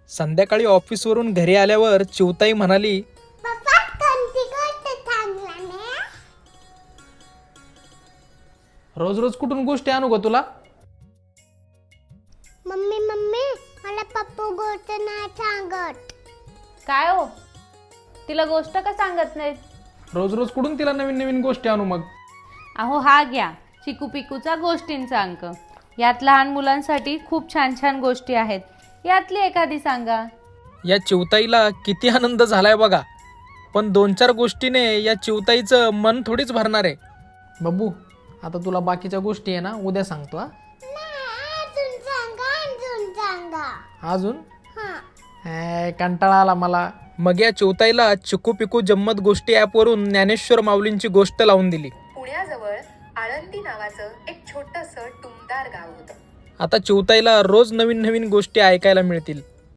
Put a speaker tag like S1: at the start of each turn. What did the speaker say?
S1: संध्याकाळी ऑफिसवरून घरी आल्यावर चिवताई म्हणाली,
S2: पप्पा कोणती गोष्ट सांगला ना?
S1: रोज रोज कुठून गोष्टी आणू ग तुला?
S2: मम्मी मम्मी मला पप्पू गोष्ट नाही सांगत.
S3: काय हो, तिला गोष्ट का सांगत नाहीत?
S1: रोज रोज कुठून तिला नवीन नवीन गोष्टी आणू मग?
S3: अहो हा घ्या चिकू पिकूचा गोष्टींचा अंक. यात लहान मुलांसाठी खूप छान छान गोष्टी आहेत. यातली एखादी सांगा.
S1: या चिवताईला किती आनंद झालाय बघा. पण 2-4 गोष्टीने या चिवताईचं मन थोडीच भरणार आहे. बब्बू, आता तुला बाकीच्या गोष्टी आहे ना उद्या सांगतो.
S2: अजून सांगा.
S1: अजून
S2: हा
S1: कंटाळा आला मला. मग या चिवताईला चिकू पिकू जम्मत गोष्टी ॲपवरून ज्ञानेश्वर माऊलींची गोष्ट लावून दिली.
S4: पुण्याजवळ आळंदी नावाचं एक छोटंसं टुमदार गाव होतं.
S1: आता चिवताईला रोज नवीन नवीन गोष्टी ऐकायला मिळतील.